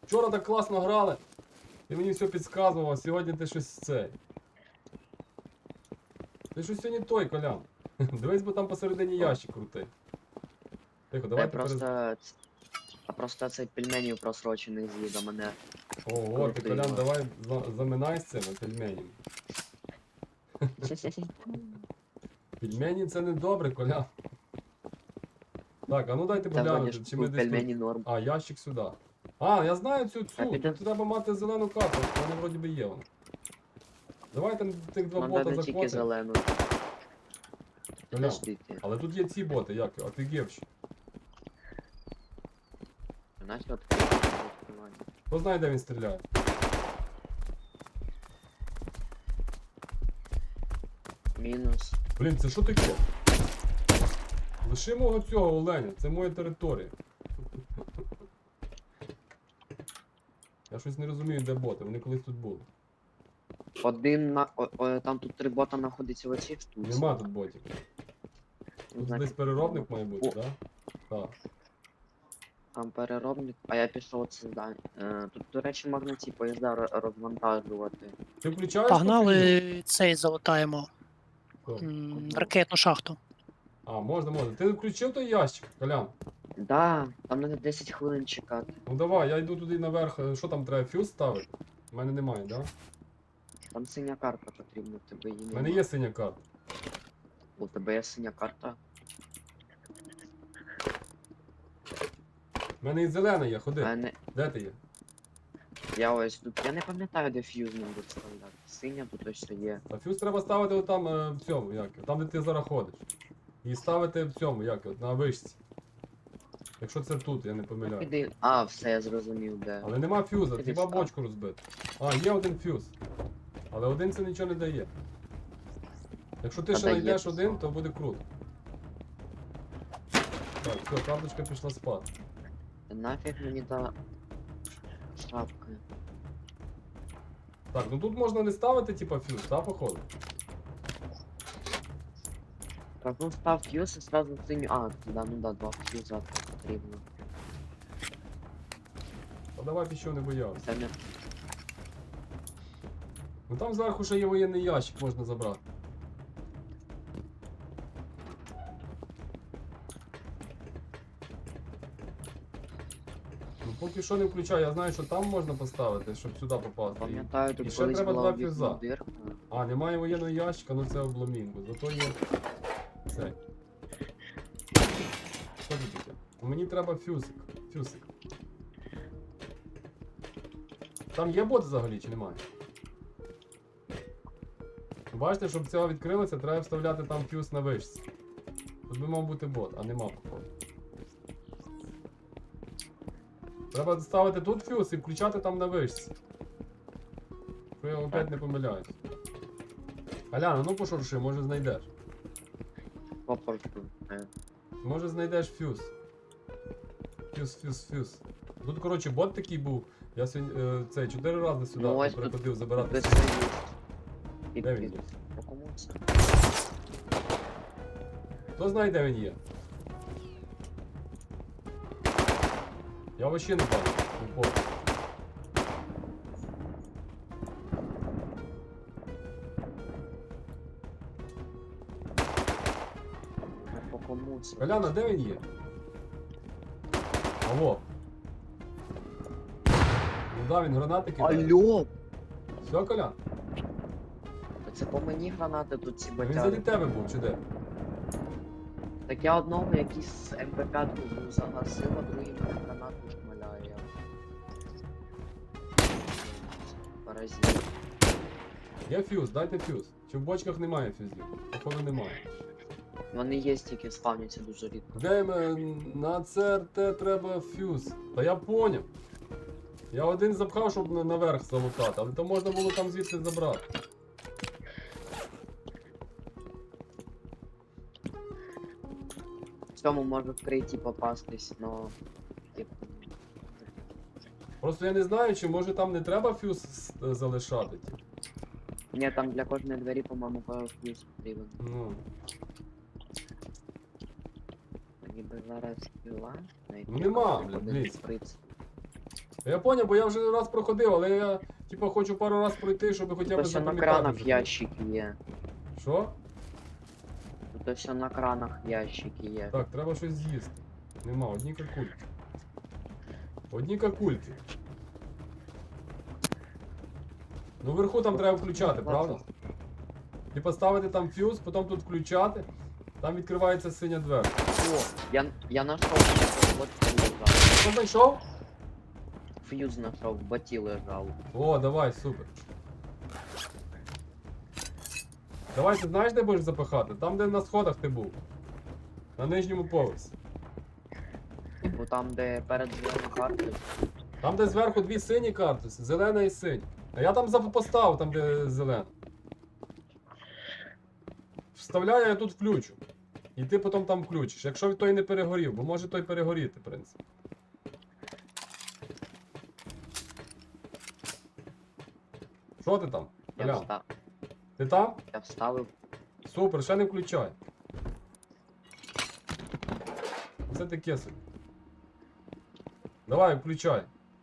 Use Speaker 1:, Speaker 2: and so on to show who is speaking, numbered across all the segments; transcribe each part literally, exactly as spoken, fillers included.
Speaker 1: Вчора так класно грали. Ти мені все підказував, а сьогодні ти щось це. Ти щось сьогодні той, Колян. Дивись, бо там посередині ящик крутий. Тихо,
Speaker 2: Я
Speaker 1: давайте
Speaker 2: просто...
Speaker 1: перез...
Speaker 2: А просто цей пельменів просрочений з'їв, а мене...
Speaker 1: Ого, ти,
Speaker 2: крутий,
Speaker 1: Колян,
Speaker 2: да.
Speaker 1: давай за- заминай з цими пельменями. Пельмені це не добре, Колян. Так, а ну дайте
Speaker 2: Та вроді
Speaker 1: поглянути,
Speaker 2: ж
Speaker 1: чи ми
Speaker 2: тут
Speaker 1: десь
Speaker 2: пельмені
Speaker 1: тут...
Speaker 2: норм.
Speaker 1: А, ящик сюди. А, я знаю цю цю.
Speaker 2: піде-
Speaker 1: Тут треба мати зелену карту, вона вроді би є вона. Давайте тих два
Speaker 2: Нам
Speaker 1: бота
Speaker 2: треба тільки
Speaker 1: захватимо.
Speaker 2: зелену.
Speaker 1: Колян,
Speaker 2: Подождите.
Speaker 1: але тут є ці боти, як? Офігевші.
Speaker 2: Начал открывать.
Speaker 1: Хто знає, де він стріляє?
Speaker 2: Мінус.
Speaker 1: Блін, це що таке? Лиши мого цього оленя, це моя територія. Я щось не розумію, де боти, вони колись тут були.
Speaker 2: Один на... О, о, там тут три бота знаходиться в оцій штуці.
Speaker 1: Нема тут ботів.
Speaker 2: Ну,
Speaker 1: Тут
Speaker 2: значить,
Speaker 1: десь переробник має бути,
Speaker 2: О.
Speaker 1: так? Так.
Speaker 2: Там переробник, а я пішов це здання. Е, тут, до речі, можна ці поїзда ро- розвантажувати.
Speaker 1: Ти включаєш? ту фігню?
Speaker 3: Погнали цей залутаємо.
Speaker 1: Що?
Speaker 3: М, Ракетну шахту.
Speaker 1: А, можна, можна. Ти включив той ящик, Колян?
Speaker 2: Да, там треба десять хвилин чекати.
Speaker 1: Ну давай, я йду туди наверх. Е, Що там треба, фюз ставити? У мене немає, так? Да?
Speaker 2: Там синя карта потрібна, в тебе її
Speaker 1: У
Speaker 2: немає.
Speaker 1: мене є синя карта.
Speaker 2: У тебе є синя карта.
Speaker 1: У мене і зелена є, ходи.
Speaker 2: А не...
Speaker 1: Де ти є?
Speaker 2: Я ось тут. Я не пам'ятаю, де фьюз нам буде вставляти. Синя тут ось є.
Speaker 1: А фюз треба ставити отам е, в цьому, як, його, там де ти зараз ходиш. І ставити в цьому, як, його, на вишці. Якщо це тут, я не помиляю.
Speaker 2: Іди. А, все, я зрозумів, де.
Speaker 1: Але нема фюза,
Speaker 2: Іди
Speaker 1: хіба
Speaker 2: став.
Speaker 1: бочку розбити. А, є один фюз. Але один це нічого не дає. Якщо ти
Speaker 2: А
Speaker 1: ще
Speaker 2: дає
Speaker 1: знайдеш
Speaker 2: це
Speaker 1: один,
Speaker 2: сам.
Speaker 1: то буде круто. Так, все, карточка пішла спати.
Speaker 2: Нафіг мені та шапка.
Speaker 1: Так, ну тут можна не ставити, типа, фюз, та, походу?
Speaker 2: Так, ну став фьюз і сразу синю. А, да, ну да, два фьюза потрібно.
Speaker 1: А давай ти що не боявся.
Speaker 2: Це не.
Speaker 1: Ну там зверху ще є воєнний ящик, можна забрати. Ну поки що не включаю, я знаю, що там можна поставити, щоб сюди попасти.
Speaker 2: Пам'ятаю,
Speaker 1: І
Speaker 2: тут
Speaker 1: ще
Speaker 2: колись
Speaker 1: треба
Speaker 2: була
Speaker 1: два
Speaker 2: вікна
Speaker 1: фюза.
Speaker 2: дирка.
Speaker 1: А, немає воєнного ящика, ну це обламінго. Зато є. Це. Що це таке? Ну, мені треба фюзик. Фюзик. Там є бот взагалі чи немає? Бачите, щоб цього відкрилося, треба вставляти там фюз на вишці. Тут би мав бути бот, а нема походу. Треба ставити тут фюз і включати там на вишці. Що я опять не помиляюсь. Аляна, ну пошурши, може знайдеш.
Speaker 2: Попорку. Е.
Speaker 1: Може знайдеш фюз. Фюз, фюз, фюз. Тут, коротше, бот такий був. Я сьогодні е, цей чотири рази сюди
Speaker 2: Ну, ось тут
Speaker 1: приходив забирати.
Speaker 2: Без
Speaker 1: фюз.
Speaker 2: союз. Під
Speaker 1: Де він
Speaker 2: під.
Speaker 1: є?
Speaker 2: По кому це?
Speaker 1: Хто знає, де він є? Я вообще не бачу. Упор.
Speaker 2: Ну, по кому це?
Speaker 1: Коляна, де він є? Алло. Ну да, він гранати кидає.
Speaker 2: Алло!
Speaker 1: Все, Колян?
Speaker 2: Та це по мені гранати тут ці
Speaker 1: Він заді
Speaker 2: батяри.
Speaker 1: тебе був, чи де?
Speaker 2: Так я одного якийсь ем пе п'ять був загасив, а другий мене гранату шмаляє. Паразит.
Speaker 1: Є фюз, дайте фюз. Чи в бочках немає фюзів? Походу немає.
Speaker 2: Вони є, тільки спавняться дуже рідко.
Speaker 1: Де ми на це ер те треба фюз? Та я поняв. Я один запхав, щоб на- наверх залутати, але то можна було там звідси забрати.
Speaker 2: В цьому може вкриті попастись, но... Типу...
Speaker 1: Просто я не знаю, чи може там не треба фюз с- залишати. типу.
Speaker 2: Ні, там для кожної двері, по-моєму, фьюз потрібен.
Speaker 1: Ну.
Speaker 2: Мені би зараз пила.
Speaker 1: Ну нема, блін, блін.
Speaker 2: Шприц.
Speaker 1: Я поняв, бо я вже раз проходив, але я типа хочу пару раз пройти, щоб хоча б
Speaker 2: Тут все на
Speaker 1: запам'ятати.
Speaker 2: кранах
Speaker 1: вже.
Speaker 2: ящики є.
Speaker 1: Що?
Speaker 2: Тут все на кранах ящики є.
Speaker 1: Так, треба щось з'їсти. Нема, одні какульки. Одні какульки. Ну вверху там треба включати, правда? І поставити там фьюз, потім тут включати. Там відкривається синя двері.
Speaker 2: О, я, я нашов, вот фьюз лежав.
Speaker 1: Що знайшов?
Speaker 2: Фьюз знайшов, в боті лежав.
Speaker 1: О, давай, супер. Давай, ти знаєш, де будеш запихати? Там, де на сходах ти був. На нижньому поверсі.
Speaker 2: Типу там, де перед зеленою картою.
Speaker 1: Там, де зверху дві сині картуси, зелена і синя. А я там зап- поставив, там, де зелена. Вставляю, я тут включу. І ти потім там включиш. Якщо той не перегорів, бо може той перегоріти, в принципі. Що ти там?
Speaker 2: Я,
Speaker 1: Колян?
Speaker 2: вста...
Speaker 1: Ти там?
Speaker 2: я вставив.
Speaker 1: Супер, ще не включай. Це таке собі. Давай, включай.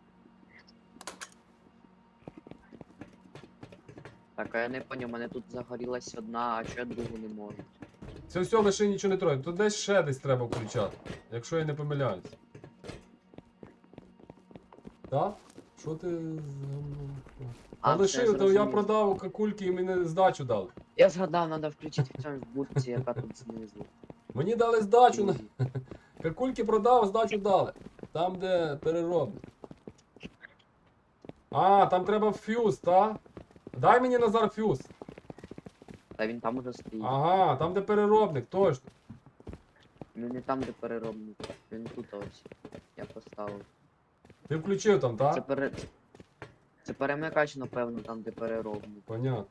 Speaker 2: Так, а я не поняв, у мене тут загорілась одна, а чого я другу не можу.
Speaker 1: Це все, лише нічого не трогай. Тут десь ще десь треба включати. Якщо я не помиляюсь. Так? Що ти... А,
Speaker 2: А,
Speaker 1: лиши,
Speaker 2: все,
Speaker 1: то я
Speaker 2: зрозумів.
Speaker 1: продав какульки і мені здачу дали.
Speaker 2: Я згадав, треба включити в цьому будці, яка тут знизу.
Speaker 1: Мені дали здачу на. Какульки продав, здачу дали. Там, де переробник. А, там треба фьюз, та? Дай мені Назар фьюз.
Speaker 2: Та він там уже стоїть.
Speaker 1: Ага, там де переробник, точно.
Speaker 2: Ну не там, де переробник. Він тут ось. Я поставив.
Speaker 1: Ти включив там,
Speaker 2: Це
Speaker 1: так?
Speaker 2: пере... Це перемикач, напевно, там, де переробник.
Speaker 1: Понятно.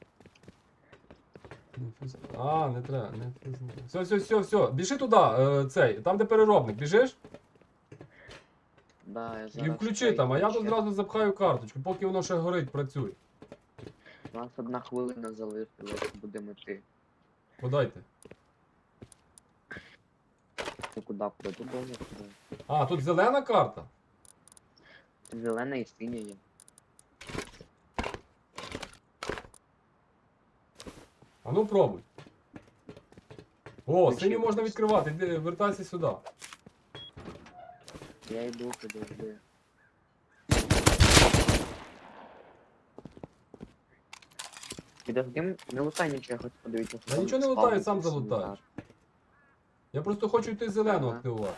Speaker 1: Не фьюз- А, не треба, не фьюз. не треба. Все, все, все, все. Біжи туди, е, цей, там де переробник, біжиш?
Speaker 2: Да, я
Speaker 1: І
Speaker 2: зараз
Speaker 1: включи
Speaker 2: цей
Speaker 1: там, а я тут
Speaker 2: включу.
Speaker 1: зразу запхаю карточку, поки воно ще горить, працює.
Speaker 2: У нас одна хвилина залишилась, будемо йти.
Speaker 1: Подайте.
Speaker 2: Ну куди куди? Тут довго куди.
Speaker 1: А, тут зелена карта?
Speaker 2: Зелена і синя є.
Speaker 1: А ну пробуй. О,
Speaker 2: Включив.
Speaker 1: синю можна відкривати, іди, вертайся сюди.
Speaker 2: Я йду подожди. Підожди, не лутай нічого, я хочу подивитися. що
Speaker 1: Я
Speaker 2: там
Speaker 1: нічого не
Speaker 2: спавниться
Speaker 1: лутаю, сам
Speaker 2: синя
Speaker 1: залутаєш.
Speaker 2: карта.
Speaker 1: Я просто хочу йти зелену
Speaker 2: Ага.
Speaker 1: активувати.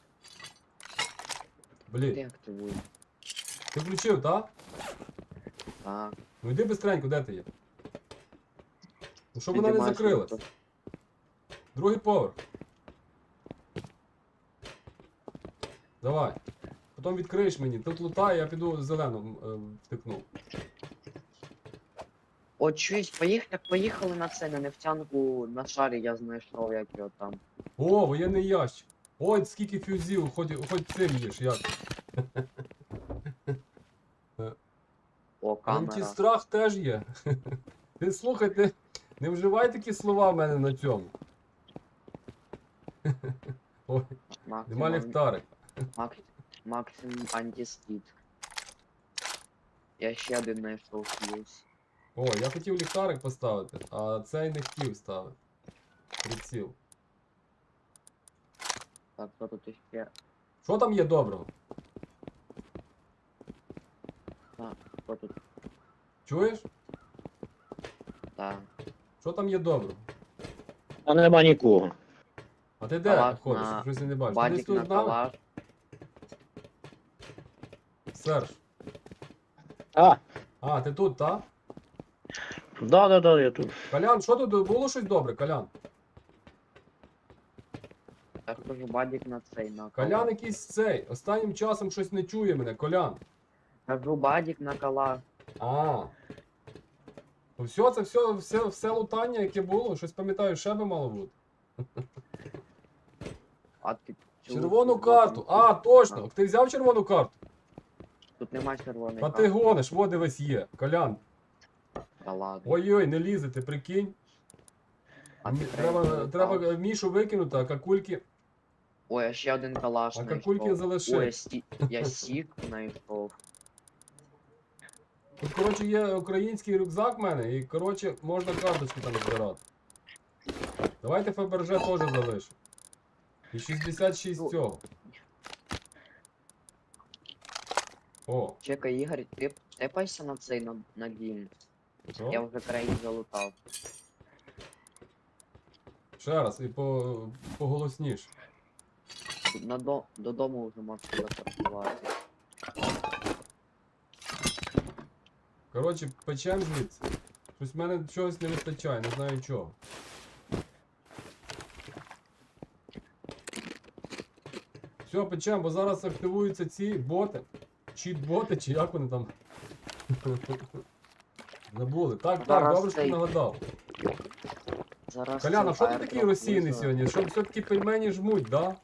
Speaker 2: Ти
Speaker 1: Блін,
Speaker 2: активуй.
Speaker 1: ти включив, так?
Speaker 2: Так.
Speaker 1: Ну йди бистренько, де ти є? Ну щоб вона не
Speaker 2: Підіймайся,
Speaker 1: закрилась.
Speaker 2: тут.
Speaker 1: Другий поверх. Давай. Потім відкриєш мені. Тут лутай, я піду зелену е, втикну.
Speaker 2: О, чуєш, поїх... так поїхали на це, на нефтянку на шарі я знайшов, як його там.
Speaker 1: О, воєнний ящик. Ой, скільки фюзів, хоч, хоч цим їж, як.
Speaker 2: О, камера.
Speaker 1: Антистрах теж є. Ти слухай, ти не вживай такі слова в мене на цьому. Ой, нема
Speaker 2: Максимум,
Speaker 1: ліхтарик.
Speaker 2: Макс... Максимум антискіт. Я ще один знайшов плюс.
Speaker 1: О, я хотів ліхтарик поставити, а цей не хотів ставити. Приціл.
Speaker 2: Так, що тут іще?
Speaker 1: Що там є доброго?
Speaker 2: Так, що тут?
Speaker 1: Чуєш?
Speaker 2: Так.
Speaker 1: Що там є доброго?
Speaker 4: А нема нікого.
Speaker 1: А ти де
Speaker 2: Калаш
Speaker 1: ходиш?
Speaker 2: на-
Speaker 1: Щось я не бачу. Ти десь
Speaker 2: Бадік на
Speaker 1: тут з нами?
Speaker 2: калаш.
Speaker 1: Серж.
Speaker 4: А,
Speaker 1: А, ти тут, так?
Speaker 4: да, да, да, я тут.
Speaker 1: Колян, що тут було щось добре, Колян?
Speaker 2: Я кажу, бадік на цей, на
Speaker 1: Колян
Speaker 2: калаш.
Speaker 1: якийсь цей. Останнім часом щось не чує мене, Колян.
Speaker 2: Кажу, бадік на калаш.
Speaker 1: А. Ну все, це все, все, все лутання, яке було, щось пам'ятаю, ще би мало бути.
Speaker 2: А ти...
Speaker 1: Червону
Speaker 2: чув,
Speaker 1: карту.
Speaker 2: тут-
Speaker 1: А, точно. Ти взяв червону карту?
Speaker 2: Тут нема червоної
Speaker 1: А
Speaker 2: карти.
Speaker 1: ти гониш, во дивись є. Колян.
Speaker 2: Та ладно.
Speaker 1: Ой-ой, не лізе, ти прикинь.
Speaker 2: А
Speaker 1: Мі-
Speaker 2: ти
Speaker 1: Треба,
Speaker 2: третій
Speaker 1: треба
Speaker 2: лутав.
Speaker 1: Мішу викинути, а какульки.
Speaker 2: Ой, а ще один калаш
Speaker 1: А
Speaker 2: знайшов.
Speaker 1: какульки залиши.
Speaker 2: Ой, сі... я сік знайшов.
Speaker 1: Тут, коротше, є український рюкзак в мене, і, коротше, можна карточки там збирати. Давайте Фаберже теж залишимо. І шістдесят шість
Speaker 2: Ну.
Speaker 1: цього. О,
Speaker 2: Чекай, Ігор, ти тепайся на цей на, на дім.
Speaker 1: що?
Speaker 2: Я вже країн залутав.
Speaker 1: Ще раз, і по, поголосніше.
Speaker 2: На до... Додому вже можна телепортувати.
Speaker 1: Коротше, печем звідси. Щось в мене чогось не вистачає, не знаю чого. Все, печем, бо зараз активуються ці боти. Чіт-боти, чи як вони там? Забули. Так, так,
Speaker 2: Зараз
Speaker 1: добре, що ти
Speaker 2: цей-
Speaker 1: нагадав.
Speaker 2: Зараз
Speaker 1: Коляна,
Speaker 2: цей
Speaker 1: що ти такий
Speaker 2: аердроп
Speaker 1: розсіяний
Speaker 2: визове.
Speaker 1: сьогодні? Що все-таки пельмені жмуть, да?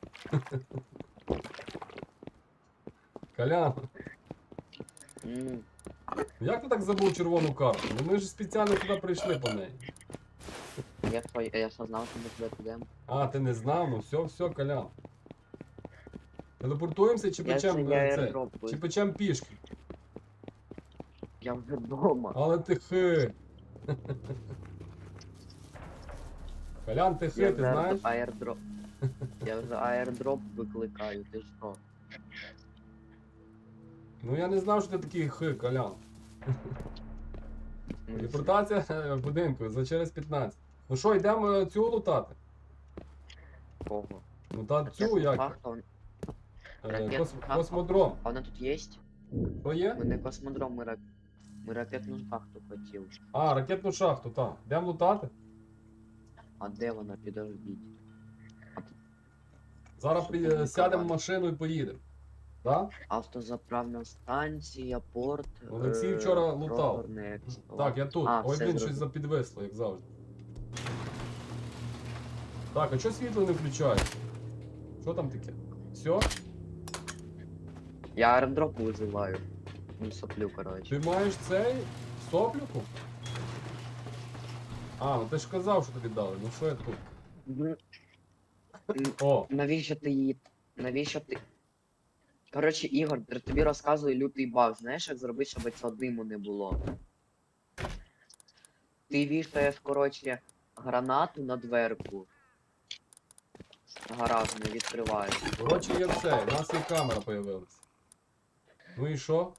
Speaker 1: Колян,
Speaker 2: М,
Speaker 1: як ти так забув червону карту? Ну ми ж спеціально туди прийшли по неї.
Speaker 2: Я що, я що знав, що ми туди підемо.
Speaker 1: А, ти не знав? Ну все, все, Колян. Телепортуємося чи
Speaker 2: Я
Speaker 1: печем
Speaker 2: це я
Speaker 1: е, це?
Speaker 2: аердроп
Speaker 1: Чи
Speaker 2: визову.
Speaker 1: печем пішки?
Speaker 2: Я вже вдома.
Speaker 1: Але ти хи. Колян, ти
Speaker 2: Я
Speaker 1: хи, ти
Speaker 2: вже
Speaker 1: знаєш?
Speaker 2: аердроп. Я вже аердроп викликаю, ти що?
Speaker 1: Ну я не знав, що ти такий хи, Колян.
Speaker 2: Ну,
Speaker 1: Телепортація е, в будинку за через п'ятнадцять. Ну що, йдемо е, цю лутати?
Speaker 2: Кого?
Speaker 1: Ну та цю
Speaker 2: Ракетну
Speaker 1: як?
Speaker 2: шахту.
Speaker 1: Е,
Speaker 2: ракетну
Speaker 1: кос-
Speaker 2: шахту.
Speaker 1: Космодром.
Speaker 2: А вона тут є?
Speaker 1: Що є?
Speaker 2: Ми не космодром, ми, рак... ми ракетну шахту хотіли.
Speaker 1: А, ракетну шахту, так. Йдемо лутати?
Speaker 2: А де вона? Підождіть.
Speaker 1: Зараз при- е, сядемо в машину і поїдемо. Так?
Speaker 2: Автозаправна станція, порт.
Speaker 1: Олексій
Speaker 2: е,
Speaker 1: вчора лутав.
Speaker 2: роторний ексклав.
Speaker 1: Так, я тут.
Speaker 2: А,
Speaker 1: Ой,
Speaker 2: все
Speaker 1: блін, щось
Speaker 2: зрозумів.
Speaker 1: запідвисло, як завжди. Так, а чого світло не включається? Що там таке? Все?
Speaker 2: Я аеродроп визиваю. Ну, соплю, коротше.
Speaker 1: Ти маєш цей соплюку? А, ну ти ж казав, що тобі дали. Ну що я тут?
Speaker 2: Ну,
Speaker 1: О,
Speaker 2: навіщо ти її. Навіщо ти. Коротше, Ігор, я тобі розказую лютий баг. Знаєш, як зробити, щоб цього диму не було? Ти вішаєш, коротше, гранату на дверку. Гараж не відкриваєш.
Speaker 1: коротше, є це. У нас є камера появилась. Ну і що?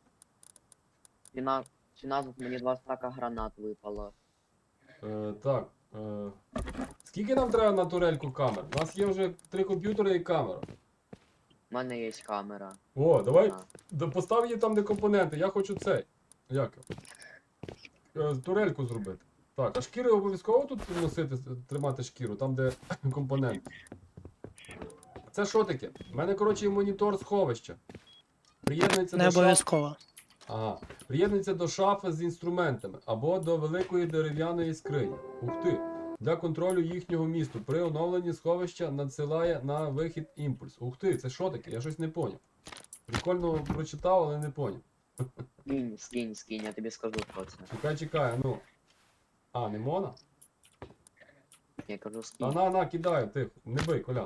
Speaker 2: Ціна, ціна тут мені два стака гранат випало.
Speaker 1: Е, так. Е, скільки нам треба на турельку камер? У нас є вже три комп'ютери і камера.
Speaker 2: У мене є камера.
Speaker 1: О, давай
Speaker 2: А.
Speaker 1: да постав її там, де компоненти. Я хочу цей. Як? його? Е, турельку зробити. Так, а шкіри обов'язково тут носити, тримати шкіру, там де компоненти. Це що таке? У мене, коротше, є монітор сховища. Приєднується
Speaker 3: Не
Speaker 1: до шафи.
Speaker 3: обов'язково.
Speaker 1: Ага. Приєднується до шафи з інструментами або до великої дерев'яної скрині. Ух ти! Для контролю їхнього місту при оновленні сховища надсилає на вихід імпульс. Ух ти, це що таке? Я щось не поняв. Прикольно прочитав, але не поняв.
Speaker 2: Скинь, скинь, скинь, я тобі скажу, що це.
Speaker 1: Чекай, чекай, ну. А, не мона?
Speaker 2: Я кажу,
Speaker 1: Та
Speaker 2: скинь.
Speaker 1: на, на, кидаю, тихо. Не бий, Колян.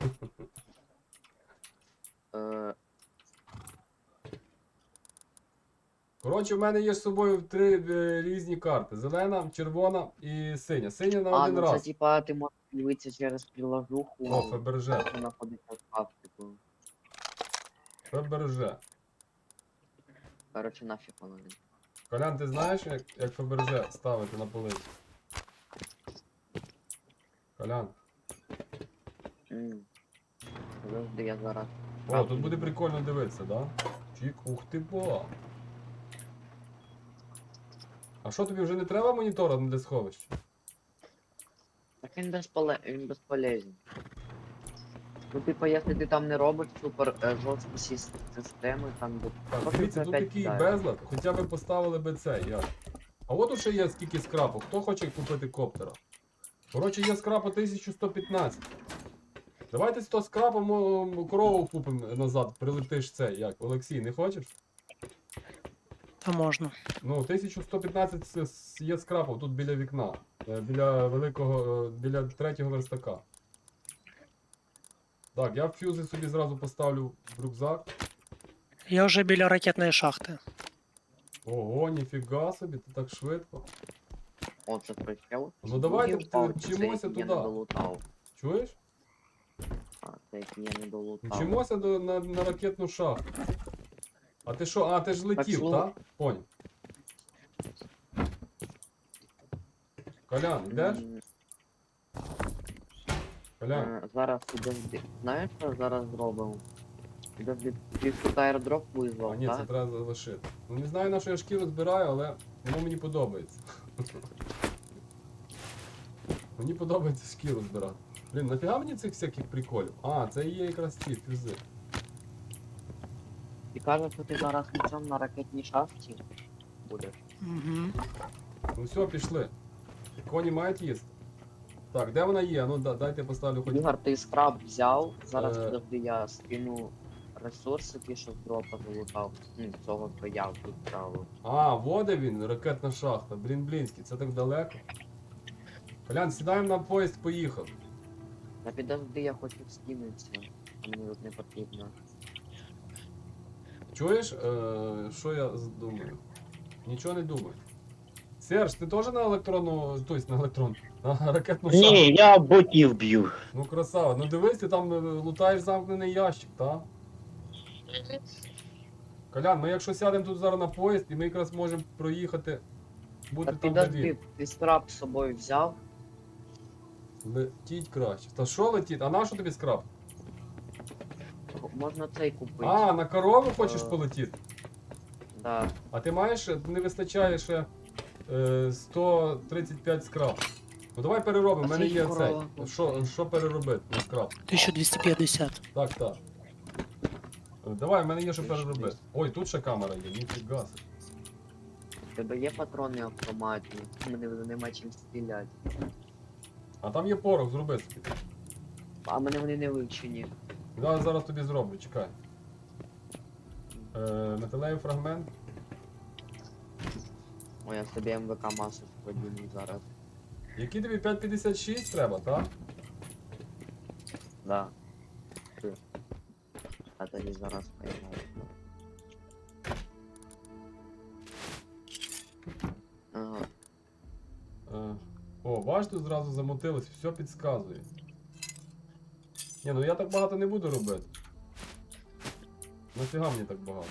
Speaker 2: Е,
Speaker 1: Коротше, в мене є з собою три е, різні карти: зелена, червона і синя. Синя на
Speaker 2: а,
Speaker 1: один
Speaker 2: ну
Speaker 1: раз.
Speaker 2: це типа ти можеш дивитися через приложуху.
Speaker 1: О, Фаберже.
Speaker 2: що знаходиться в шкафчику.
Speaker 1: Фаберже.
Speaker 2: Коротше, нафіг воно. не.
Speaker 1: Колян, ти знаєш, як, як Фаберже ставити на полицю? Колян.
Speaker 2: М. Завжди я зараз.
Speaker 1: О, тут буде прикольно дивитися, да? Чік, ух ти бо. А що тобі вже не треба монітора для сховища?
Speaker 2: Так він безполе... він безполезний. Ну типа, якщо ти там не робиш супер е, жорстку сіс- систему, там де.
Speaker 1: Так,
Speaker 2: Просто
Speaker 1: дивіться,
Speaker 2: це
Speaker 1: тут
Speaker 2: опять
Speaker 1: такий
Speaker 2: кидає.
Speaker 1: безлад, хоча б поставили би цей, як. А от тут ще є скільки скрапу. Хто хоче купити коптера? Коротше, є скрапа тисяча сто п'ятнадцять. Давайте сто скрапом о, корову купимо назад, прилетиш цей, як. Олексій, не хочеш?
Speaker 3: Та можна.
Speaker 1: Ну, тисяча сто п'ятнадцять с- с- є скрапов тут біля вікна. е, Біля великого, е, біля третього верстака. Так, я фюзи собі зразу поставлю в рюкзак.
Speaker 3: Я вже біля ракетної шахти.
Speaker 1: Ого, ніфіга собі, ти так швидко.
Speaker 2: О, це причел.
Speaker 1: Ну, давайте
Speaker 2: Другий впав,
Speaker 1: ти-
Speaker 2: це
Speaker 1: вчимося
Speaker 2: який я
Speaker 1: туди.
Speaker 2: не долутав.
Speaker 1: Чуєш?
Speaker 2: А, це який я не долутав.
Speaker 1: Вчимося до, на, на ракетну шахту. А ти що? А, ти ж летів,
Speaker 2: слухай.
Speaker 1: так? Поняв. Колян, йдеш?
Speaker 2: М,
Speaker 1: Колян.
Speaker 2: е, Зараз підожди. Знаєш, що зараз зробимо? Підожди, ти тут аеродроп
Speaker 1: А
Speaker 2: визвав,
Speaker 1: ні, це
Speaker 2: так?
Speaker 1: треба залишити. Ну не знаю, на що я шкіру збираю, але воно мені подобається. Мені подобається шкіру збирати. Блін, нафіга мені цих всяких приколів? А, це і є якраз ці фюзи.
Speaker 2: Ти кажеш, що ти зараз на цьому на ракетній шахті будеш.
Speaker 3: Угу.
Speaker 1: Ну все, пішли. Коні мають їсти. Так, де вона є? Ну да, дайте поставлю хоч.
Speaker 2: Ігор, ти скраб взяв, зараз
Speaker 1: Е.
Speaker 2: підожди, я скину ресурси, ті, що з дропа залутав. Ну, цього, що я тут брав.
Speaker 1: А, води він, ракетна шахта. Блін, блінський, це так далеко. Колян, сідаємо на поїзд, поїхав.
Speaker 2: Та підожди, я хочу скинутися. Мені тут не потрібно.
Speaker 1: Чуєш, е, що я з- думаю? Нічого не думаю. Серж, ти теж на електронну, тобто на електрон, на ракетну шахту?
Speaker 4: Ні, я ботів б'ю.
Speaker 1: Ну красава. Ну дивись, ти там е, лутаєш замкнений ящик, так? Колян, ми якщо сядемо тут зараз на поїзд, і ми якраз можемо проїхати, бути
Speaker 2: Та
Speaker 1: там, де
Speaker 2: підожди,
Speaker 1: він.
Speaker 2: ти скраб з собою взяв?
Speaker 1: Летіть краще. Та що летіть? А на що тобі скраб?
Speaker 2: Можна цей купити.
Speaker 1: А, на корову хочеш
Speaker 2: Е.
Speaker 1: полетіти?
Speaker 2: Да.
Speaker 1: А ти маєш, не вистачає ще е, сто тридцять п'ять скраб. Ну давай переробимо,
Speaker 2: А
Speaker 1: в мене
Speaker 2: це
Speaker 1: є
Speaker 2: корова.
Speaker 1: цей. Що, що переробити на скраб?
Speaker 3: тисяча двісті п'ятдесят.
Speaker 1: Так, так. Е, Давай, в мене є що переробити. Ой, тут ще камера є, ніфіга. собі.
Speaker 2: У тебе є патрони автоматні, мене вже нема чим стріляти.
Speaker 1: А там є порох, зроби собі.
Speaker 2: А мене вони не вивчені.
Speaker 1: Я зараз тобі зроблю, чекай. Е, металевий фрагмент.
Speaker 2: Ой, я собі МВК масу поділю зараз.
Speaker 1: Який тобі п'ять п'ятдесят шість треба, так?
Speaker 2: Да. Ти. А тоді зараз поймаю. Ага.
Speaker 1: Е, о, бачиш, тут зразу замотилось, все підказує. Ні, ну я так багато не буду робити. Нафіга мені так багато?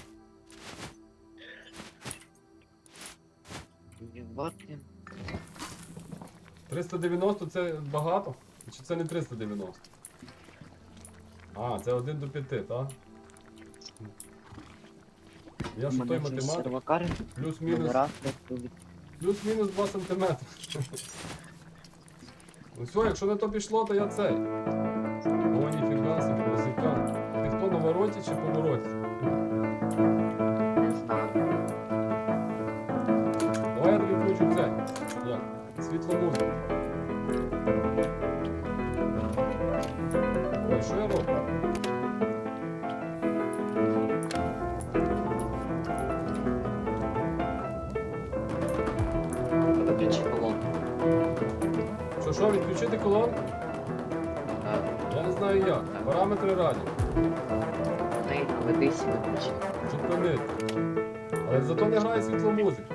Speaker 2: Їбати.
Speaker 1: триста дев'яносто це багато? Чи це не триста дев'яносто? А, це один до п'яти, так? Я ж той математик.
Speaker 2: Сервакари,
Speaker 1: Плюс-мінус.
Speaker 2: номера, тут
Speaker 1: Плюс-мінус два сантиметри. Ну все, якщо не то пішло, то я цей. О, ніфіга собі, музикант. Ти хто на вороті чи повороті?
Speaker 2: не знаю.
Speaker 1: Давай я тобі включу цей. Як? Світло музику. Ой, що я роблю?
Speaker 2: Виключи колонку.
Speaker 1: Що, що, відключити колонку?
Speaker 2: Так,
Speaker 1: Я не знаю як. Параметри радіо.
Speaker 2: в неї наведись і виключи.
Speaker 1: Зупинити. Але зато не грає світло музики.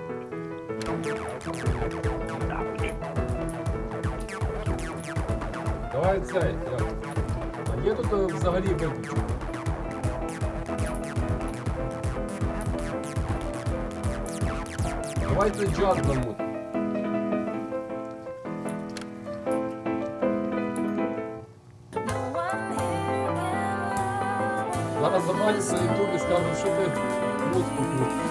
Speaker 1: Давай цей. Як? А є тут е, взагалі виключено? Давай цей джаз замут. Зараз забанять на ютубі і скажуть, що ти музику крутиш.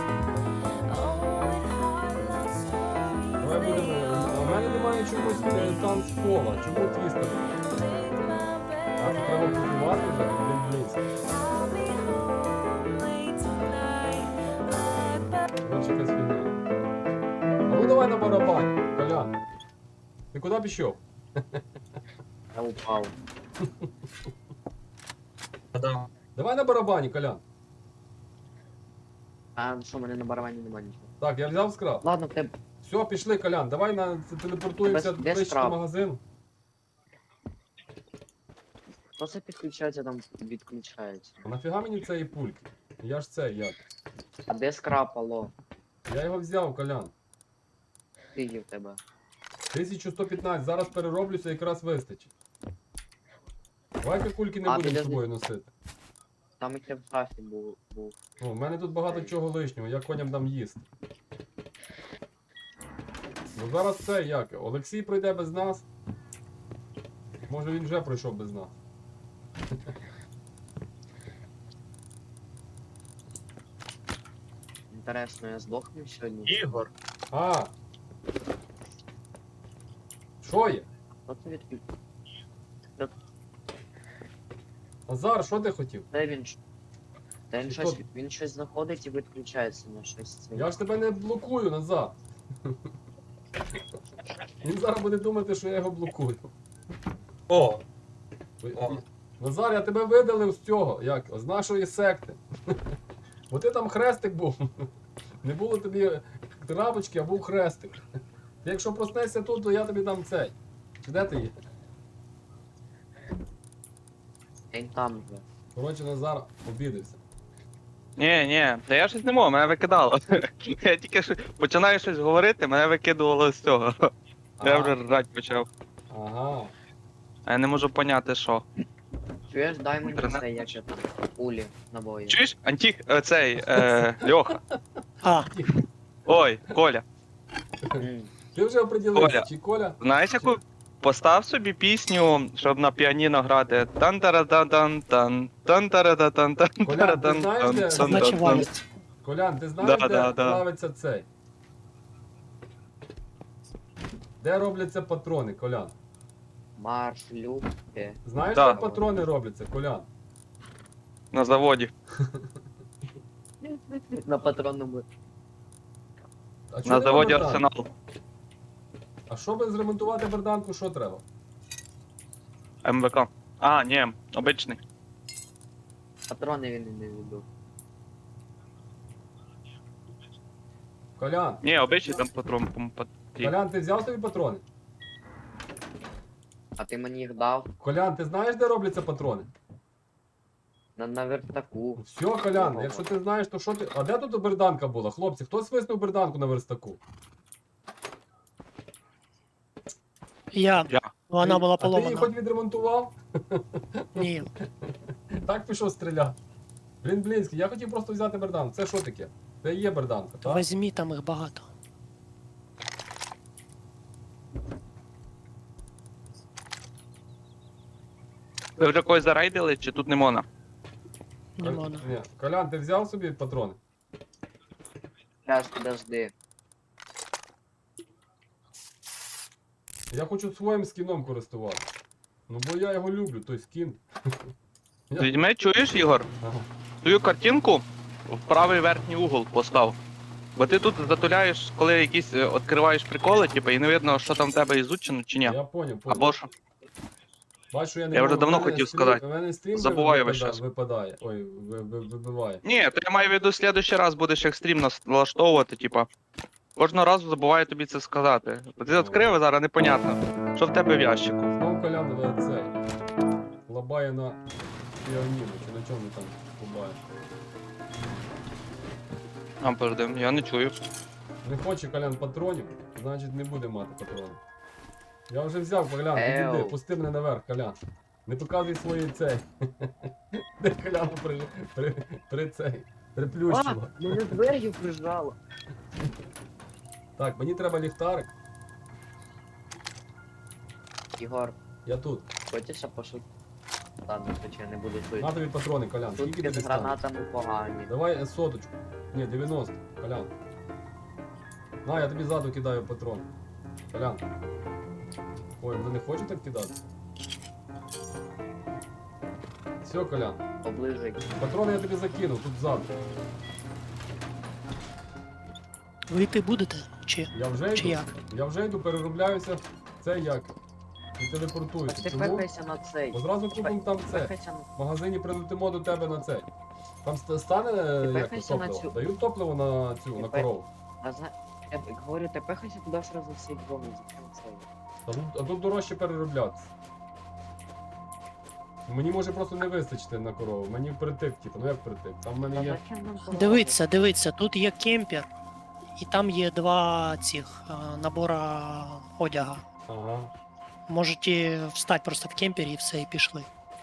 Speaker 1: Давай будемо. А в мене немає чомусь е, танцпола. Чому твістер? А то треба купувати вже, блін, блін. Короче, якась фігня. А ну давай на барабан, Колян. Ти куди пішов?
Speaker 2: Я упав.
Speaker 1: Давай на барабані, Колян.
Speaker 2: А що, в мене на барабані нема нічого.
Speaker 1: Так, я взяв скраб.
Speaker 2: Ладно, в тебе
Speaker 1: Все, пішли, Колян, давай на телепортуємося
Speaker 2: Тебе- де
Speaker 1: ближче до
Speaker 2: скраб?
Speaker 1: магазину.
Speaker 2: То це підключається, там відключається.
Speaker 1: А нафіга мені цієї пульки? Я ж це як?
Speaker 2: А де скрапало?
Speaker 1: Я його взяв, Колян.
Speaker 2: Скільки в тебе?
Speaker 1: тисяча сто п'ятнадцять, зараз перероблюся, якраз вистачить. Давай-ка кульки не
Speaker 2: А,
Speaker 1: будемо з
Speaker 2: підожди.
Speaker 1: собою носити.
Speaker 2: Там і в шафі був. був.
Speaker 1: О, в мене тут багато чого лишнього, я коням дам їсти. Ну зараз це як? Олексій пройде без нас. Може він вже пройшов без нас.
Speaker 2: Інтересно, я здохну сьогодні?
Speaker 4: Ігор.
Speaker 1: А! Що є?
Speaker 2: Що це відключ...
Speaker 1: Назар, що ти хотів?
Speaker 2: Де він? ж- Та він
Speaker 1: Що
Speaker 2: щось,
Speaker 1: ти?
Speaker 2: він щось знаходить і відключається на щось це.
Speaker 1: Я ж тебе не блокую, Назар. Він зараз буде думати, що я його блокую.
Speaker 5: О,
Speaker 1: Ви-
Speaker 5: О.
Speaker 1: Назар, я тебе видалив з цього, як? З нашої секти. Бо ти там хрестик був. Не було тобі крапочки, а був хрестик. Ти якщо проснешся тут, то я тобі дам цей. Чи де ти є?
Speaker 2: Він там вже.
Speaker 1: Коротше, Назар обідався.
Speaker 5: ні, ні, та я щось не можу, мене викидало. Я тільки що починаю щось говорити, мене викидувало з цього. Я вже рать почав.
Speaker 1: Ага.
Speaker 5: А я не можу поняти, що.
Speaker 2: Чуєш, дай мені
Speaker 5: Інтернет
Speaker 2: це, як я там, улі набої.
Speaker 5: Чуєш? Антіх, е, цей, е, Льоха.
Speaker 3: А,
Speaker 5: Ой, Коля.
Speaker 2: М.
Speaker 1: Ти вже оприділився,
Speaker 5: Коля.
Speaker 1: чи Коля?
Speaker 5: Знаєш, яку постав собі пісню, щоб на піаніно грати. тан тара дан тан тан тан тара да тан тан
Speaker 1: Колян,
Speaker 5: тара
Speaker 1: ти
Speaker 5: дан
Speaker 1: знаєш,
Speaker 5: тан
Speaker 1: де-
Speaker 5: тан
Speaker 3: значить
Speaker 5: тан.
Speaker 3: валість.
Speaker 1: Колян, ти знаєш,
Speaker 5: Да,
Speaker 1: де
Speaker 5: да, да.
Speaker 1: плавиться цей? Де робляться патрони, Колян?
Speaker 2: Марш, любки.
Speaker 1: Знаєш,
Speaker 5: Да.
Speaker 1: де патрони робляться, Колян?
Speaker 5: На заводі.
Speaker 2: На патронному.
Speaker 1: А чого
Speaker 5: На
Speaker 1: нема
Speaker 5: заводі
Speaker 1: берданки?
Speaker 5: Арсенал.
Speaker 1: А щоб зремонтувати берданку, що треба?
Speaker 5: ем ве ка. А, ні, обичний.
Speaker 2: Патрони він і не віддав.
Speaker 1: Колян,
Speaker 5: Ні, обичний там патрон по-моєму, потрібен.
Speaker 1: Колян, ти взяв собі патрони?
Speaker 2: А ти мені їх дав
Speaker 1: Колян, ти знаєш, де робляться патрони?
Speaker 2: на, на верстаку.
Speaker 1: Все, Колян, якщо ти знаєш, то що ти. А де тут берданка була? Хлопці, хто свиснув берданку на верстаку?
Speaker 3: Я.
Speaker 5: Я.
Speaker 3: Вона
Speaker 1: Ти-
Speaker 3: була
Speaker 1: А ти її
Speaker 3: поломана.
Speaker 1: хоч відремонтував?
Speaker 3: Ні.
Speaker 1: Так пішов стріляти. Блін, Блінський, я хотів просто взяти берданку. Це що таке? Це і є берданка, так?
Speaker 3: Візьмі, там їх багато.
Speaker 5: Ви вже когось зарейдили, чи тут не можна?
Speaker 3: Не можна.
Speaker 1: Ні. Колян, ти взяв собі патрони?
Speaker 2: Зараз, подожди.
Speaker 1: Я хочу своїм скіном користуватися. Ну бо я його люблю, той скін. Я-
Speaker 5: Візьми, чуєш, Ігор?
Speaker 1: Ага.
Speaker 5: Твою картинку в правий верхній угол постав. Бо ти тут затуляєш, коли якісь е, відкриваєш приколи, типу, і не видно, що там в тебе ізучено чи ні.
Speaker 1: Я поняв, поняв.
Speaker 5: Або що.
Speaker 1: Бачу, я не
Speaker 5: Я вже
Speaker 1: можу.
Speaker 5: давно
Speaker 1: В мене
Speaker 5: хотів
Speaker 1: стрім-
Speaker 5: сказати.
Speaker 1: В мене стрім
Speaker 5: Забуваю
Speaker 1: випада-
Speaker 5: весь час.
Speaker 1: випадає. Ой, ви- ви- вибиває.
Speaker 5: Ні, то я маю в виду, в следующий раз будеш як стрім нас- налаштовувати, типа. Кожного разу забуваю тобі це сказати. Бо ти відкрив, а зараз непонятно, що в тебе в ящику.
Speaker 1: Знов Колян е, цей. Лабає на піаніно, чи на чому там лабає.
Speaker 5: А, подожди, я не чую.
Speaker 1: Не хоче Колян патронів, значить не буде мати патронів. Я вже взяв, Колян,
Speaker 2: Еу.
Speaker 1: підійди, пусти мене наверх, Колян. Не показуй свої цей. Де Коляну при, при, при цей.
Speaker 2: А,
Speaker 1: Приплющило.
Speaker 2: мене двер'ю прижало.
Speaker 1: Так, мені треба ліхтарик.
Speaker 2: Ігор,
Speaker 1: Я тут.
Speaker 2: хочеш я пошут? Ладно, хоча я не буду чути.
Speaker 1: На тобі патрони, Колян.
Speaker 2: Тут
Speaker 1: Скільки
Speaker 2: з
Speaker 1: тобі стане?
Speaker 2: гранатами погані.
Speaker 1: Давай е, соточку. Ні, дев'яносто. Колян. На, я тобі ззаду кидаю патрон. Колян. Ой, вони не хочуть так кидати. Все, Колян.
Speaker 2: Поближе.
Speaker 1: Патрони я тобі закинув, тут ззаду.
Speaker 3: Ви йти будете? Чи?
Speaker 1: Я вже
Speaker 3: Чи
Speaker 1: йду.
Speaker 3: як?
Speaker 1: Я вже йду, переробляюся. Це як? І
Speaker 2: Так
Speaker 1: телепортуюся.
Speaker 2: ти
Speaker 1: Чому?
Speaker 2: пехайся на цей.
Speaker 1: Бо зразу купимо там це.
Speaker 2: Пехайся на...
Speaker 1: В магазині прилетимо до тебе на цей. Там ст- стане е, як то,
Speaker 2: пехайся на
Speaker 1: топливо.
Speaker 2: цю.
Speaker 1: Дають топливо на цю,
Speaker 2: Ти
Speaker 1: на
Speaker 2: пе-
Speaker 1: корову.
Speaker 2: А зна... Я б- говорю, ти пехайся туди сразу всі дрони, зачем цей?
Speaker 1: А тут, а тут дорожче перероблятися. Мені може просто не вистачити на корову. Мені впритик, типу, ну як впритик? Там в мене є.
Speaker 3: Дивіться, дивіться, тут є кемпер, і там є два цих а, набора одяга.
Speaker 1: Ага.
Speaker 3: Можете встати просто в кемпері і все, і пішли.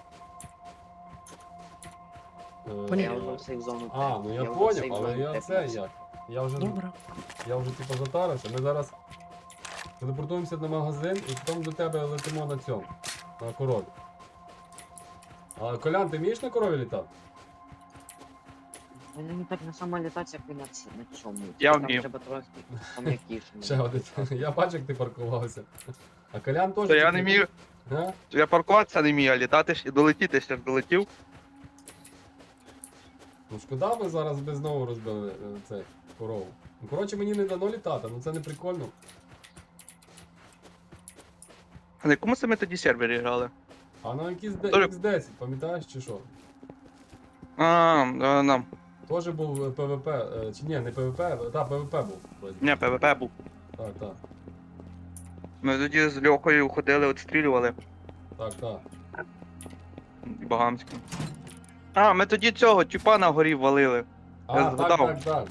Speaker 1: Е,
Speaker 3: Поняв.
Speaker 2: Я вже в сейф зону.
Speaker 1: А, ну я
Speaker 2: вже в
Speaker 1: поняв,
Speaker 2: сейф
Speaker 1: але
Speaker 2: зону
Speaker 1: я це
Speaker 2: тепнувся.
Speaker 1: як. Я вже,
Speaker 3: Добре.
Speaker 1: я вже типу затарився. Ми зараз телепортуємося на магазин і потім до тебе летимо на цьому, на корові. А Колян, ти вмієш на корові літати?
Speaker 2: Вони не так на самолітати, як і на ці- на цьому.
Speaker 5: Я
Speaker 2: Там
Speaker 5: вмію.
Speaker 2: треба трохи пом'якіше.
Speaker 1: Ще один. Я бачу, як ти паркувався. А Колян теж.
Speaker 5: То я
Speaker 1: тільки-
Speaker 5: не вмію,
Speaker 1: Га?
Speaker 5: я паркуватися не вмію, а літати ж і долетіти ще ж долетів.
Speaker 1: Ну шкода, ми зараз би знову розбили е, цей корову. Ну коротше мені не дано літати, ну це не прикольно.
Speaker 5: А на якому саме тоді сервері грали?
Speaker 1: А на якийсь
Speaker 5: Добре.
Speaker 1: ікс десять, пам'ятаєш чи що?
Speaker 5: А, е, нам.
Speaker 1: Теж був е, ПВП, е, чи ні, не ПВП, та ПВП був. вроді.
Speaker 5: Ні, ПВП був.
Speaker 1: Так, так,
Speaker 5: Ми тоді з Льохою ходили, відстрілювали.
Speaker 1: так, так.
Speaker 5: І Багамським. А, ми тоді цього тюпа на горі валили.
Speaker 1: А,
Speaker 5: Я
Speaker 1: так,
Speaker 5: згадав.
Speaker 1: так, так.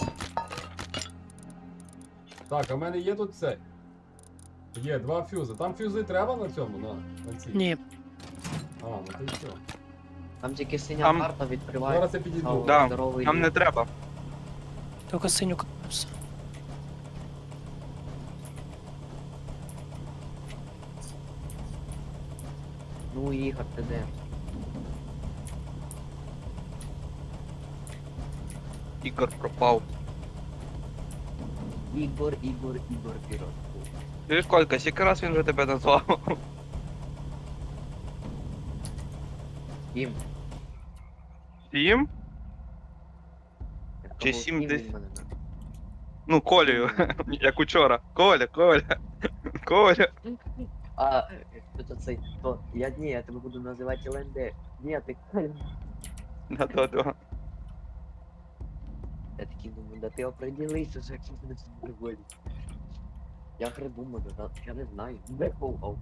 Speaker 1: Так, а в мене є тут цей. Є два фюзи. Там фюзи треба на цьому, на, на цій?
Speaker 3: Ні,
Speaker 1: А, ну то й все.
Speaker 2: Там тільки синя
Speaker 5: Там-
Speaker 2: карта відкриває.
Speaker 1: Зараз я підійду.
Speaker 5: Да,
Speaker 2: здоровий
Speaker 5: Нам
Speaker 2: ліс.
Speaker 5: не треба.
Speaker 3: тільки синю все.
Speaker 2: Ну, Ігор, ти де?
Speaker 5: Ігор пропав.
Speaker 2: Ігор, Ігор, Ігор, Ігор.
Speaker 5: Ти ж Колька, скільки раз він вже тебе назвав?
Speaker 2: Сім.
Speaker 5: Сім?
Speaker 2: Я
Speaker 5: Чи
Speaker 2: сказав,
Speaker 5: сім
Speaker 2: сім,
Speaker 5: десь?
Speaker 2: він мене назвав.
Speaker 5: Ну, Колею, як учора. Коля, Коля, Коля.
Speaker 2: А, хто цей, то, я, ні, я тебе буду називати ЛНД. Ні, ти Коля.
Speaker 5: Да-да-да.
Speaker 2: Я такий думаю, да ти определися, що як ти мене сюди виводиш. Я придумаю, да, я не знаю. Де Коу?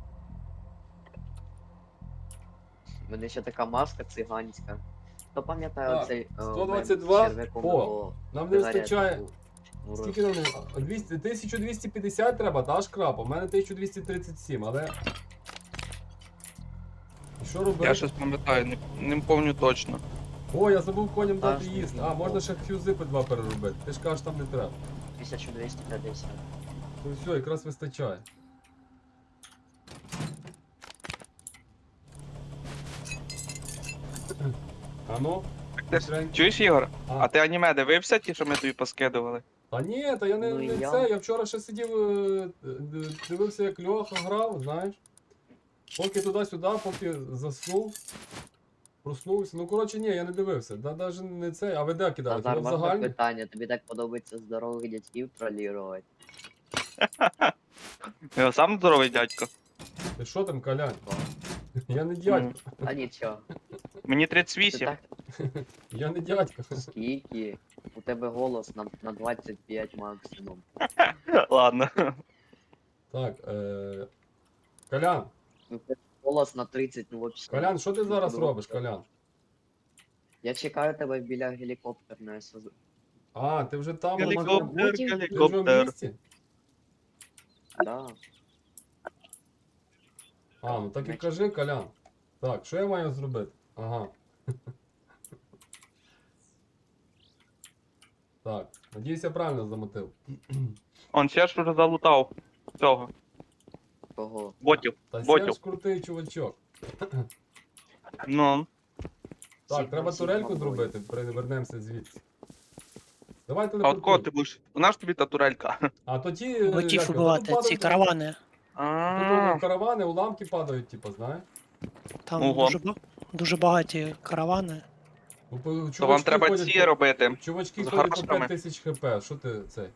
Speaker 2: У мене ще така маска циганська. Хто пам'ятає
Speaker 1: Так,
Speaker 2: оцей... е,
Speaker 1: сто двадцять два?
Speaker 2: мем з черв'яком
Speaker 1: О,
Speaker 2: або
Speaker 1: Нам не
Speaker 2: сигарету
Speaker 1: вистачає.
Speaker 2: у рот?
Speaker 1: Скільки нам не- двісті тисяча двісті п'ятдесят треба, та шкрап, у мене тисяча двісті тридцять сім, але. І що робити?
Speaker 5: Я щось пам'ятаю, не, не пам'ятаю точно.
Speaker 1: О, я забув коням
Speaker 2: Та
Speaker 1: дати
Speaker 2: ж
Speaker 1: їсти.
Speaker 2: ні,
Speaker 1: А,
Speaker 2: ні.
Speaker 1: можна ще фюзи по два переробити. Ти ж кажеш, там не треба.
Speaker 2: тисяча двісті п'ятдесят.
Speaker 1: Ну все, якраз вистачає. А ну?
Speaker 5: Ти ж- Чуєш, Ігор?
Speaker 1: А.
Speaker 5: А ти аніме дивився ті, що ми тобі поскидували?
Speaker 1: Та ні, та я не,
Speaker 2: Ну,
Speaker 1: не
Speaker 2: я-
Speaker 1: це. Я вчора ще сидів, е, е, дивився, як Льоха грав, знаєш. Поки туди-сюди, поки заснув. Проснувся. Ну коротше, ні, я не дивився. Да, навіть не це, а ви де кидали?
Speaker 2: Назар,
Speaker 1: Хіба в
Speaker 2: можна
Speaker 1: загальні?
Speaker 2: питання? Тобі так подобається здорових дядьків тролірувати?
Speaker 5: Я сам здоровий дядько.
Speaker 1: Ти що там, Колян? Я не дядько.
Speaker 2: А нічого.
Speaker 5: Мені
Speaker 2: Ти
Speaker 5: тридцять вісім.
Speaker 2: так
Speaker 1: Я не дядько.
Speaker 2: скільки? У тебе голос на, на двадцять п'ять максимум.
Speaker 5: Ладно.
Speaker 1: Так, е... Колян,
Speaker 2: У тебе голос на тридцять, ну взагалі.
Speaker 1: Колян, що ти зараз робиш, Колян?
Speaker 2: Я чекаю тебе біля гелікоптерної СЗ.
Speaker 1: А, ти вже там,
Speaker 5: Гелікоптер,
Speaker 1: ти вже в
Speaker 5: гелікоптер.
Speaker 1: місті?
Speaker 2: Да.
Speaker 1: А, ну так і кажи, Колян. Так, що я маю зробити? Ага. Так, надіюсь, я правильно замотив.
Speaker 5: Он ще ж вже залутав цього.
Speaker 2: Кого?
Speaker 5: Ботів.
Speaker 1: Та
Speaker 5: Ботів.
Speaker 1: Серж крутий чувачок.
Speaker 5: Ну.
Speaker 1: Так,
Speaker 2: Сігма,
Speaker 1: треба
Speaker 2: Сігма
Speaker 1: турельку
Speaker 2: бой.
Speaker 1: зробити, вернемося звідси. Давай
Speaker 5: А от
Speaker 1: телепортуй.
Speaker 5: кого ти будеш? Вона ж тобі та турелька.
Speaker 1: А то ті... е,
Speaker 3: Ботів
Speaker 1: як,
Speaker 3: убивати,
Speaker 1: тут
Speaker 3: ці
Speaker 1: падають-
Speaker 3: каравани.
Speaker 5: А,
Speaker 1: Тут каравани, уламки падають, типу, знаєш?
Speaker 3: Там
Speaker 5: Ого.
Speaker 3: дуже, ба- дуже багаті каравани.
Speaker 1: Ну, по-
Speaker 5: То вам
Speaker 1: чувачки
Speaker 5: треба
Speaker 1: ходять
Speaker 5: ці
Speaker 1: по-
Speaker 5: робити.
Speaker 1: Чувачки
Speaker 5: з
Speaker 1: ходять по
Speaker 5: гармошками.
Speaker 1: п'ять тисяч хп, що ти цей?